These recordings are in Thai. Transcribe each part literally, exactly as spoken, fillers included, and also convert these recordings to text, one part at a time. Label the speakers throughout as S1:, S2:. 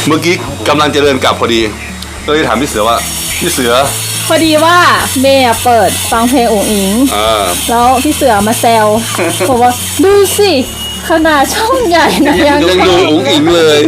S1: เมื่อกี้กำลังจะเดินกลับพอดีก็เลยถามพี่เสือว่าพี่เสือ
S2: พอดีว่าเมย์เปิดฟังเพลงอุ๋งอิงแล้วพี่เสือมาแซวบอกว่าดูสิขนาดช่องใหญ่นะยัง
S1: ยังดูอุ๋งอิงเลย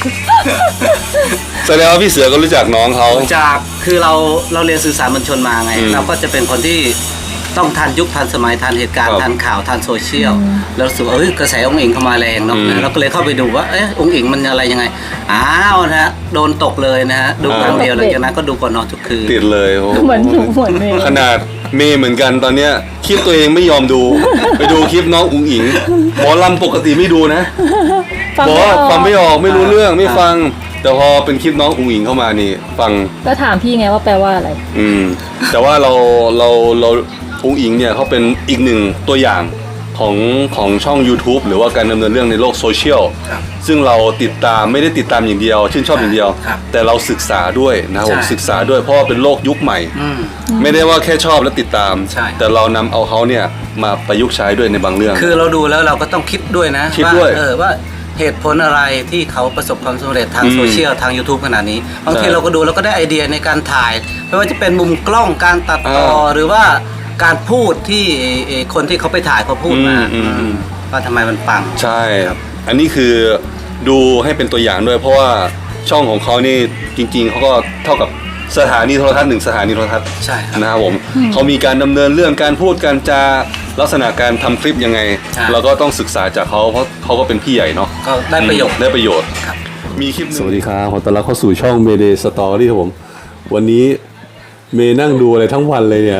S1: แสดงว่าพี่เสือก็รู้จักน้องเขา
S3: จากคือเราเราเรียนสื่อสารมวลชนมาไงเราก็จะเป็นคนที่ต้องทันยุคทันสมัยทันเหตุการณ์ทันข่าวทันโซเชียลแล้วรู้สึกว่าเอ้ยกระแสองค์อิงเข้ามาแรงเนาะเราก็เลยเข้าไปดูว่าเอ๊ะองค์อิงมันอะไรยังไงอ้าวนะฮะโดนตกเลยนะฮะดูครั้งเดียวหลังจากนั้นก็ดูก่อนนอนทุกคืน
S1: ติดเลย
S2: เหมือนเหมือนเมย์
S1: ขนาดเมย์เหมือนกันตอนเนี้ยคลิปตัวเองไม่ยอมดูไปดูคลิปน้องอุ๋งอิงหมอลำปกติไม่ดูนะบอกว่าฟังไม่ออกไม่รู้เรื่องไม่ฟังแต่พอเป็นคลิปน้องอุ๋งอิงเข้ามานี่ฟัง
S2: ก็ถามพี่ไงว่าแปลว่าอะไร
S1: อืมแต่ว่าเราเราเราอุ๋งอิงเนี่ยเขาเป็นอีกหนึ่งตัวอย่างของของช่อง YouTube หรือว่าการดำเนินเรื่องในโลกโซเชียลซึ่งเราติดตามไม่ได้ติดตามอย่างเดียวชื่นชอบอย่างเดียวแต่เราศึกษาด้วยนะครับผมศึกษาด้วยเพราะว่าเป็นโลกยุคใหม่ไม่ได้ว่าแค่ชอบและติดตามแต่เรานำเอาเขาเนี่ยมาประยุกต์ใช้ด้วยในบางเรื่อง
S3: คือเราดูแล้วเราก็ต้องคิดด้วยนะ
S1: คิดด้วย
S3: เออว่าเหตุผลอะไรที่เขาประสบความสำเร็จทางโซเชียลทาง YouTube ขนาดนี้บางทีเราก็ดูแล้วก็ได้ไอเดียในการถ่ายไม่ว่าจะเป็นมุมกล้องการตัดต่อหรือว่าการพูดที่คนที่เขาไปถ่ายเขาพูดมาว่าทำไมมันปัง
S1: ใช่ครับอันนี้คือดูให้เป็นตัวอย่างด้วยเพราะว่าช่องของเขานี่จริงๆเขาก็เท่ากับสถานีโทรทัศน์หนึ่งสถานีโทรทัศน์
S3: ใช่
S1: นะครับผมเขามีการดำเนินเรื่องการพูดการจาลักษณะการทำคลิปยังไงเราก็ต้องศึกษาจากเขาเพราะเขาก็เป็นพี่ใหญ่เนาะ
S3: ก็ได้ประโยชน์
S1: ได้ประโยชน์มีคลิปสวัสดีครับขอต้อนรับเข้าสู่ช่อง Mayday Story ครับผมวันนี้เมย์นั่งดูอะไรทั้งวันเลยเนี่ย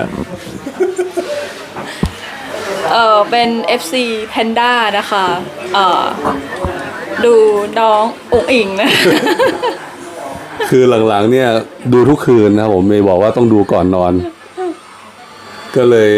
S2: เออเป็น เอฟ ซี Panda นะคะเออดูน้องอุ๋งอิงนะ
S1: คือหลังๆเนี่ยดูทุกคืนนะผมเมย์บอกว่าต้องดูก่อนนอนก็เลย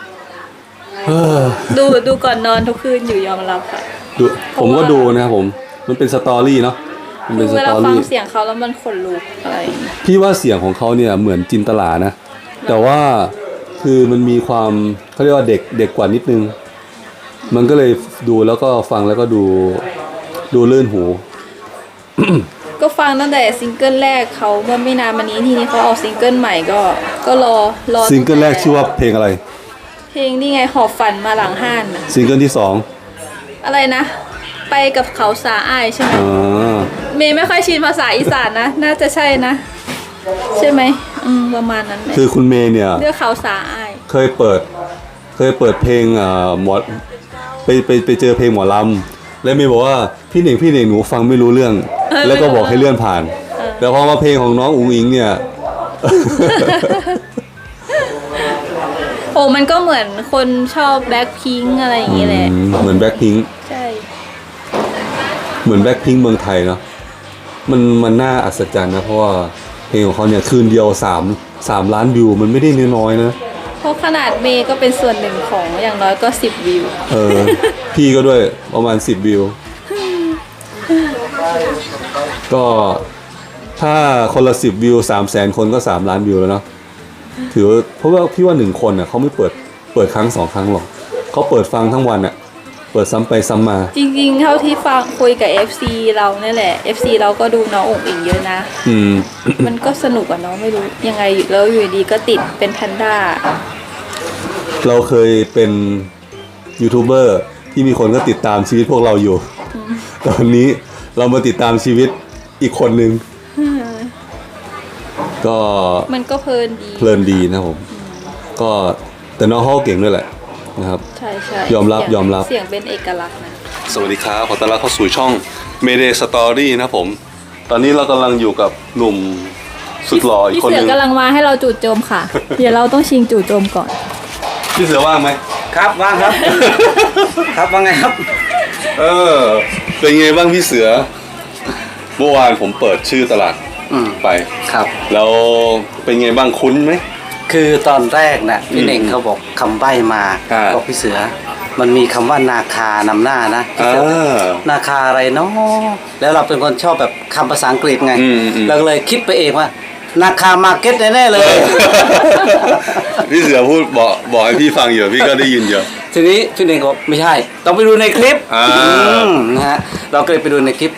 S2: ดูดูก่อนนอนทุกคืนอยู่ยอมรับค่ะ
S1: ดูผมก็ดูนะครับผมมันเป็นสตอรี่เนาะ
S2: มันเป็นสตอรี่เวลาฟังเสียงเขาแล้วมันขนลุกอะไร
S1: พี่ว่าเสียงของเขาเนี่ยเหมือนจินตลานะแต่ว่าคือมันมีความเขาเรียกว่าเด็กเด็กกว่านิดนึงมันก็เลยดูแล้วก็ฟังแล้วก็ดูดูลื่นหู
S2: ก็ฟังตั้งแต่ซิงเกิลแรกเขาเมื่อไม่นานมานี้ทีนี้เขาเอาซิงเกิลใหม่ก็ก็รอรอ
S1: ซิงเกิลแรกชื่อว่าเพลงอะไร
S2: เพลงนี่ไงหอบฝันมาหลังห้าน
S1: ซิงเกิลที่สอง
S2: อะไรนะไปกับเขาสาอ้ายใช่ไหมเมย์ไม่ค่อยชินภาษาอีสานนะน่าจะใช่นะใช่ไหมอืมประมาณนั้น
S1: คือคุณเมย์เนี่ย
S2: เรื่องเขาสาอ้าย
S1: เคยเปิดเคยเปิดเพลงอ่าหมอไปไปไปเจอเพลงหมอลำแล้วเมย์บอกว่าพี่หนิงพี่หนิงหนูฟังไม่รู้เรื่องแล้วก็บอกให้เลื่อนผ่านแต่พอมาเพลงของน้องอุ๋งอิงเนี่ย
S2: โอ้มันก็เหมือนคนชอบแบ็คพิงค์อะไรอย่างงี้แหละ
S1: เหมือนแบ็คพิงค์
S2: ใช่
S1: เหมือนแบ็คพิงค์เมืองไทยเนาะมันมันน่าอัศจรรย์นะเพราะว่าเพลงของเขาเนี่ยคืนเดียวสามสามล้านวิวมันไม่ได้น้อยๆนะ
S2: เพราะขนาดเมย์ก็เป็นส่วนหนึ่งของอย่างน้อยก็สิบวิว
S1: เออพี่ก็ด้วยประมาณสิบวิวก็ถ้าคนละสิบวิวสามแสนคนก็สามล้านวิวแล้วเนาะถือเพราะว่าพี่ว่าหนึ่งคนอ่ะเขาไม่เปิดเปิดครั้งสองครั้งหรอกเขาเปิดฟังทั้งวันอ่ะเปิดซ้ำไปซ้ำมา
S2: จริงๆเท่าที่ฟังคุยกับ เอฟ ซี เราเนี่ยแหละ เอฟ ซี เราก็ดูน้องอุ๋งอิงเยอะนะ
S1: อืม
S2: มันก็สนุกอ่ะเนาะไม่รู้ยังไงแล้วอยู่ดีก็ติดเป็นแพนด้า
S1: เราเคยเป็นยูทูบเบอร์ที่มีคนก็ติดตามชีวิตพวกเราอยู่ตอนนี้เรามาติดตามชีวิตอีกคนนึงก็
S2: มันก็เพลินดี
S1: เพลินดีนะผมก็แต่น้องเขาเก่งด้วยแหละนะครับ
S2: ใช่ใช่
S1: ยอมรับยอมรับ
S2: เสียงเป็นเอกลักษณ์นะ
S1: สวัสดีครับขอต้อนรับเข้าสู่ช่อง Mayday Story นะผมตอนนี้เรากำลังอยู่กับหนุ่มสุดหล่ออีกคนนึง
S2: พี่เสือกำลังมาให้เราจู่โจมค่ะ เดี๋ยวเราต้องชิงจู่โจมก่อน
S1: พี่เสือว่างไหม
S3: ครับว่างครับครับว่าไงครับ
S1: เออเป็นไงบ้างพี่เสือเมื่อวานผมเปิดชื่อตลาดไป
S3: ครับ
S1: แล้วเป็นไงบ้างคุ้นไหม
S3: คือตอนแรกน่ะพี่เน่งเขาบอกคำใบ้มาบอกพี่เสือมันมีคำว่านาคานำหน้านะนาคาอะไรเนาะแล้วเราเป็นคนชอบแบบคำภาษาอังกฤษไงเราเลยคิดไปเองว่านาคามาร์เก็ตแน่ๆเลย
S1: พี่เสือพูดบอกบอกให้พี่ฟังอยู่พี่ก็ได้ยินเยอะ
S3: ทีนี้พี่เน่งบอกไม่ใช่ต้องไปดูในคลิปนะฮะเราก็เลยไปดูในคลิป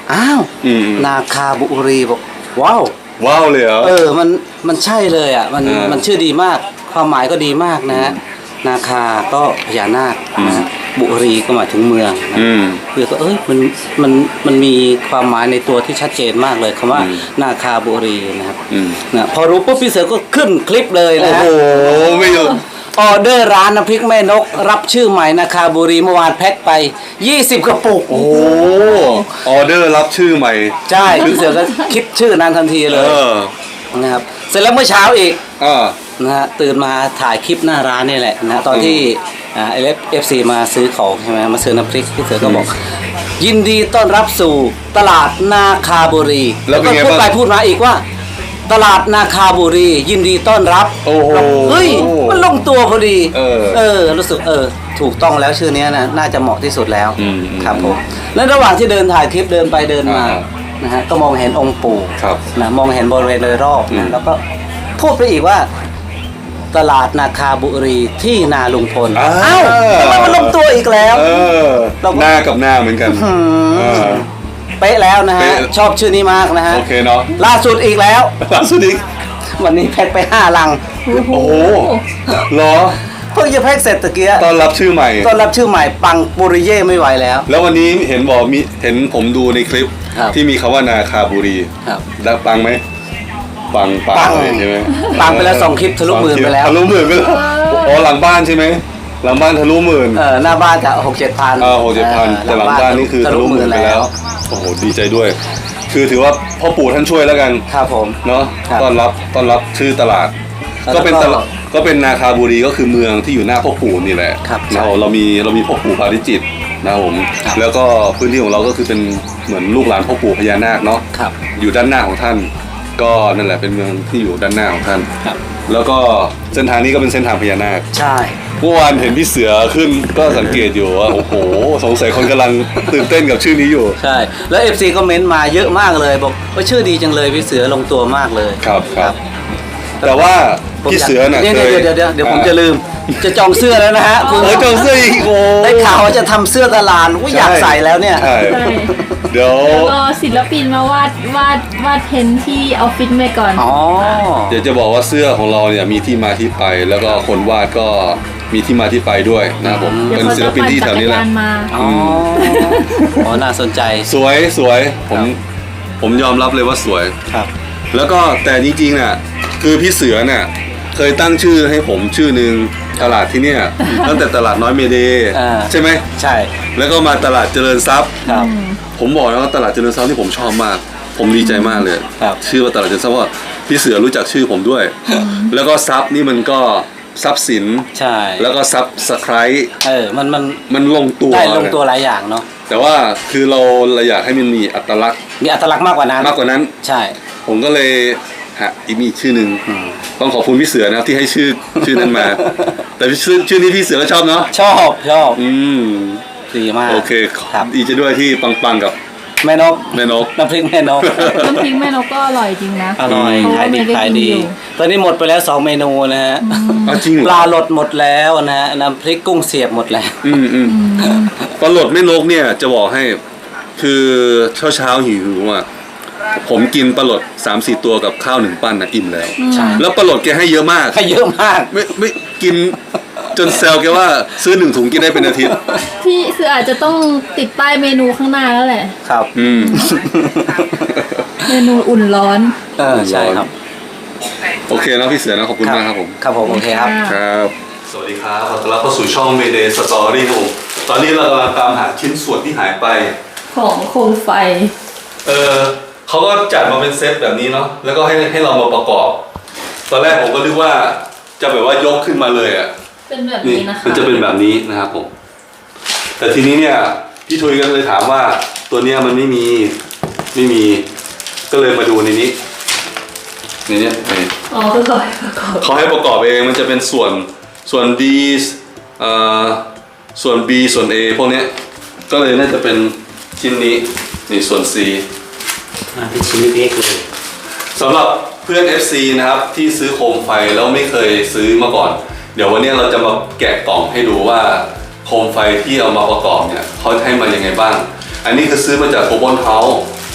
S3: อ้าว
S1: อืม
S3: นาคาบุรีบอกว้าว
S1: ว้าวเลยเหรอ
S3: เออมันมันใช่เลยอ่ะมัน
S1: อ่ามั
S3: มันชื่อดีมากความหมายก็ดีมากนะฮะนาคาก็พญานาคนะฮะบุรีก็หมายถึงเมืองนะ
S1: อืม
S3: คือก็เอ้ยมันมันมันมีความหมายในตัวที่ชัดเจนมากเลยคำว่า
S1: อืม
S3: นาคาบุรีนะครับ
S1: อืม
S3: นะพอรู้ปุ๊บพี่เสือก็ขึ้นคลิปเลย
S1: โอ้
S3: นะฮะ
S1: โหไม่อยู่
S3: ออเดอร์ร้านน้ำพริกแม่นก รับชื่อใหม่นาคาบุรีเมื่อวานแพ็คไป ยี่สิบ กระปุก
S1: โอ้โหออเดอร์รับชื่อใหม่
S3: ใช่พี่เสือก็คิดชื่อนั้นทันทีเล
S1: เอย อ
S3: นะครับเสร็จแล้วเมื่อเช้าอีก
S1: อ่า
S3: นะฮะตื่นมาถ่ายคลิปหน้าร้านนี่แหละนะฮะตอนที่อ่าเอฟซีมาซื้อของใช่ไหมมาซื้อน้ำพริกพี่เสือก็บอก ยินดีต้อนรับสู่ตลาดนาคาบุรี
S1: แล้วเป็น
S3: ก็
S1: ไง
S3: พูด
S1: บ้าง
S3: ไปพูดมาอีกว่า ตลาดนาคาบุรี ยินดีต้อนรับ
S1: โอ้โห
S3: เฮ้ยมันลงตัวพอดี
S1: เออ
S3: เออรู้สึกเออถูกต้องแล้วชื่อเนี้ยนะน่าจะเหมาะที่สุดแล้ว
S1: อืมอืม
S3: ครับผมแล้วระหว่างที่เดินถ่ายคลิปเดินไปเดินมา
S1: อ่า
S3: นะฮะก็มองเห็นองค์ปู่
S1: ครับ
S3: นะมองเห็นบริเวณโดยรอบ
S1: อืม
S3: นะแล้วก็พูดไปอีกว่า ตลาดนาคาบุรีที่นาลุงพล
S1: อ่า
S3: เอ้าทำไมมันลงตัวอีกแล้ว
S1: เออ
S3: เราก็
S1: หน้ากับหน้าเหมือนกัน
S3: หืม
S1: เออ
S3: เป๊ะแล้วนะฮะ
S1: เป๊ะ
S3: ชอบชื่อนี้มากนะฮะ
S1: โอเคเนาะ
S3: ล่าสุดอีกแล้ว
S1: ล่าสุดอีก
S3: วันนี้แพ็คไปห้าลัง
S2: โอ้โห
S1: โอ้โหเหรอ
S3: เพิ่งจะแพ็คเสร็จตะเกีย
S1: ตอนรับชื่อใหม่
S3: ต้อนรับชื่อใหม่ปังปุริเย่ไม่ไหวแล้ว
S1: แล้ววันนี้เห็นบอกมีเห็นผมดูในคลิป
S3: ครับ
S1: ที่มีคำว่านาคาบุรี
S3: ครับ
S1: ได้ปังไหมปังปั
S3: ปั
S1: ง
S3: ง
S1: เลยใช่ไหม
S3: ปังไปแล้วสองคลิปทะลุหมื่นไปแล้ว
S1: ทะลุหมื่นไปแล้วอ๋อหลังบ้านใช่ไหมหลังบ้านทะลุหมื่น
S3: เออหน้าบ้านจะหกเจ็ดพัน
S1: อ่าหกเจ็ดพันแต่หลังบ้านนี่คือทะลุหมื่นไปแล้ว โอ้โหดีใจด้วย คือถือว่าพ่อปู่ท่านช่วยแล้วกัน
S3: ครับผม
S1: เนาะ
S3: ครับ
S1: ต้อนรับต้อนรับชื่อตลาด
S3: แล้ว
S1: ก็เป็น
S3: ก็
S1: ตลาดก็เป็นนาคาบุรีก็คือเมืองที่อยู่หน้าพ่อปู่นี่แหละ
S3: ครับ
S1: นะเราเรามีเรามีพ่อปู่ปาริจิตรนะครับผม
S3: ครับ
S1: แล้วก็พื้นที่ของเราก็คือเป็นเหมือนลูกหลานพ่อปู่พญานาคเนาะ
S3: ครับ
S1: อยู่ด้านหน้าของท่าน ก็นั่นแหละเป็นเมืองที่อยู่ด้านหน้าของท่าน
S3: ครับ
S1: แล้วก็เส้นทางนี้ก็เป็นเส้นทางพญานาค
S3: ใช่
S1: เมื่อวานเห็นพี่เสือขึ้นก็สังเกตอยู่ว่าโอ้โหสงสัยคนกำลังตื่นเต้นกับชื่อนี้อยู่
S3: ใช่ แล้ว เอฟ ซี ก็เม้นต์มาเยอะมากเลยบอกว่าชื่อดีจังเลยพี่เสือลงตัวมากเลย
S1: ครับครับ แต่ว่า
S3: ผม
S1: พี่เสือน่ะ
S3: เดี๋ยว
S1: เคย
S3: เดี๋ยวเดี๋ยวเดี๋ยวผมจะลืม จะจองเสื้อแล้วนะฮะคุณ
S1: เออจองเสื้ออีกโอ้
S3: ได้ข่าวว่าจะทำเสื้อตลาดว่าอยากใส่แล้วเนี่ย
S1: ใช่
S2: ใช่
S1: เดี๋ยว
S2: รอศิลปินมาวาดวาดวาดเพ้นท์ที่ออฟฟิศไปก่อน
S3: อ๋อ
S1: เดี๋ยวจะบอกว่าเสื้อของเราเนี่ยมีที่มาที่ไป แล้วก็คนวาดก็มีที่มาที่ไปด้วยนะครับผม
S2: เดี๋ยว
S1: เป็น
S2: เขา
S1: ศิล
S2: จะ
S1: ปิน
S2: ปั่น
S1: ที่
S2: จั
S1: แถ
S2: ก
S1: ว
S2: ร
S1: นี้แหละ
S2: ยานมา
S3: อ๋ออ๋อน่าสนใจ
S1: สวยสวยผมผมยอมรับเลยว่าสวย
S3: ครับ
S1: แล้วก็แต่จริงๆน่ะคือพี่เสือเนี่ยเคยตั้งชื่อให้ผมชื่อหนึ่งตลาดที่เนี่ยตั้งแต่ตลาดน้อยเมเดย์
S3: อ่า
S1: ใช่ไหม
S3: ใช่
S1: แล้วก็มาตลาดเจริญทรัพย์
S3: ครับ
S1: ผมบอกนะว่าตลาดเจริญทรัพย์ที่ผมชอบมาก ผมดีใจมากเลย
S3: ครับ
S1: ชื่อว่าตลาดเจริญทรัพย์ว่าพี่เสือรู้จักชื่อผมด้วย แล้วก็ทรัพย์นี่มันก็ทรัพย์สิน
S3: ใช่
S1: แล้วก็ทรัพย์สไคร
S3: เออมันมัน
S1: มันลงตัว
S3: ได้ลงตัวหลายอย่างเนาะ
S1: แต่ว่าคือเราเราอยากให้มันมีอัตลักษณ์
S3: มีอัตลักษณ์มากกว่านั้น
S1: มากกว่านั้น
S3: ใช่
S1: ผมก็เลยหาอีกมีอีกชื่อหนึ่ง
S3: อืม
S1: ต้องขอบคุณพี่เสือนะครับที่ให้ชื่อชื่อนั้นมา แต่ชื่อชื่อนี้พี่เสือก็ชอบเนาะ
S3: ชอบชอบ
S1: อืม
S3: ดีมาก
S1: โอเค
S3: ครับ
S1: ดีใจด้วยที่ปังๆกับ
S3: แม่นก
S1: แม่นก
S3: น้ำพริกแม่นก
S2: น้ำพริกแม่นกก็อร่อยจริงนะ
S3: อร่อย
S2: เพราะ
S3: ขาย
S2: ว่า
S3: ดี
S2: เมย์ก็
S3: ขาย
S2: กิน
S3: ดี
S2: อยู่
S3: ตอนนี้หมดไปแล้วสองเมนูนะฮะ
S1: อ้าวจริงเหรอ
S3: ปลาหลดหมดแล้วนะฮะน้ำพริกกุ้งเสียบหมดแล้ว
S1: อืมอืมปลาหลดแม่นกเนี่ยจะบอกให้คือเช้าเช้าๆหิวๆอ่ะผมกินปลาหลดสามสี่ตัวกับข้าวหนึ่งปั้นนะอิ่มแล้ว
S3: ใช่
S1: แล้วปลาหลดแกให้เยอะมาก
S3: ให้เยอะมาก
S1: ไม่ไม่กินจนแซวแกว่าซื้อหนึ่งถุงกินได้เป็นอาทิตย์
S2: พี่เสืออาจจะต้องติดป้ายเมนูข้างหน้าแล้วแหละ
S3: ครับ
S1: อืม
S2: เมนูอุ่นร้อน
S3: เออใช่ครับ
S1: โอเคนะพี่เสือนะขอบคุณมากครับผม
S3: ครับผมโอเคครับ
S1: ครับ สวัสดีครับขอต้อนรับเข้าสู่ช่อง Mayday Story ครับผมตอนนี้เรากำลังตามหาชิ้นส่วนที่หายไป
S2: ของโคมไฟ
S1: เออเขาก็จัดมาเป็นเซตแบบนี้เนาะ แล้วก็ให้ให้เรามาประกอบ ตอนแรกผมก็นึกว่าจะแบบว่ายกขึ้นมาเลยอ่ะ
S2: เป็นแบบ
S1: นี่
S2: นี้นะคะ
S1: มันจะเป็นแบบนี้นะครับผม แต่ทีนี้เนี่ยพี่ทุยก็เลยถามว่าตัวเนี้ยมันไม่มี ไม่มี ก็เลยมาดูในนี้ในเนี้ยนี่
S2: อ๋อคือขอให้ประกอบ
S1: เขาให้ประกอบเองมันจะเป็นส่วนส่วน D เอ่อส่วน B ส่วน A พวกเนี้ยก็เลยน่าจะเป็นชิ้นนี้นี่ส่วน C
S3: เป็นชิ้นเล็กเลย
S1: สำหรับเพื่อน เอฟ ซี นะครับที่ซื้อโคมไฟแล้วไม่เคยซื้อมาก่อน เดี๋ยววันนี้เราจะมาแกะกล่องให้ดูว่าโคมไฟที่เอามาประกอบเนี่ยเขาให้มายังไงบ้าง อันนี้คือซื้อมาจากโกลบอลเฮาส์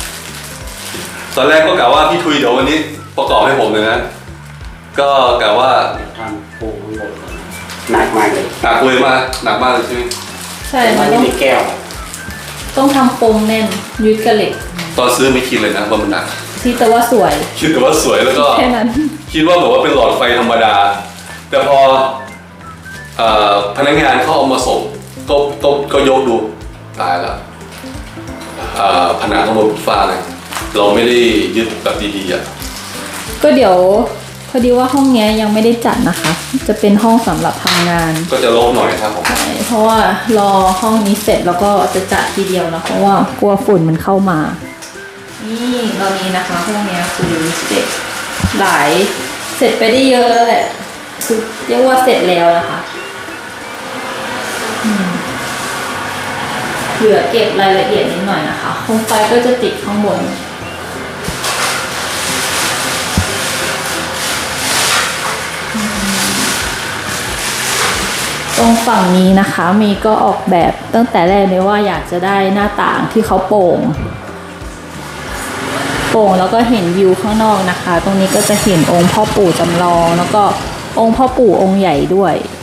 S1: ตอนแรกก็กะว่าพี่ทุยเดี๋ยววันนี้ประกอบให้ผมเลยนะ ก็กะว่า
S4: ทำปูข้างบนหนักมากเลย
S1: หนักเลยมากหนักมากเลยใช่ไหม
S2: ใช่
S4: แต่
S2: มั
S4: ว่าน
S2: ต้
S4: นี่
S2: อง
S4: มีแก้ว
S2: ต้องทำโปมแน่นยึดกระเหล็ก
S1: ตอนซื้อไม่คิดเลยนะว่ามันหนัก
S2: ที่แต่ว่าสวย
S1: คิดแต่ว่าสวยแล้วก็
S2: แค่นั้น
S1: คิดว่าแบบว่าเป็นหลอดไฟธรรมดา แต่พอเอ่อพนักงานเขาเอามาส่งก็ก็ก็ยกดูตายละเอ่อผนังข้างบนฟ้าเลยเราไม่ได้ยึดแบบดีๆอ่ะ
S2: ก็เดี๋ยวพอดีว่าห้องเนี้ยยังไม่ได้จัดนะคะ จะเป็นห้องสำหรับทำงาน
S1: ก็จะลบหน่อยครับผม
S2: ใช่เพราะว่ารอห้องนี้เสร็จแล้วก็จะจัดทีเดียวนะเพราะว่ากลัวฝุ่นมันเข้ามา นี่ตอนนี้นะคะห้องเนี้ยคือเสร็จหลายเสร็จไปได้เยอะแล้วแหละคือเรียกว่าเสร็จแล้วนะคะอืมเหลือเก็บรายละเอียดนิดหน่อยนะคะโคมไฟก็จะติดข้างบน ตรงฝั่งนี้นะคะมีก็ออกแบบตั้งแต่แรกเลยว่าอยากจะได้หน้าต่างที่เขาโป่งโป่งแล้วก็เห็นวิวข้างนอกนะคะ ตรงนี้ก็จะเห็นองค์พ่อปู่จำลองแล้วก็องค์พ่อปู่องค์ใหญ่ด้วย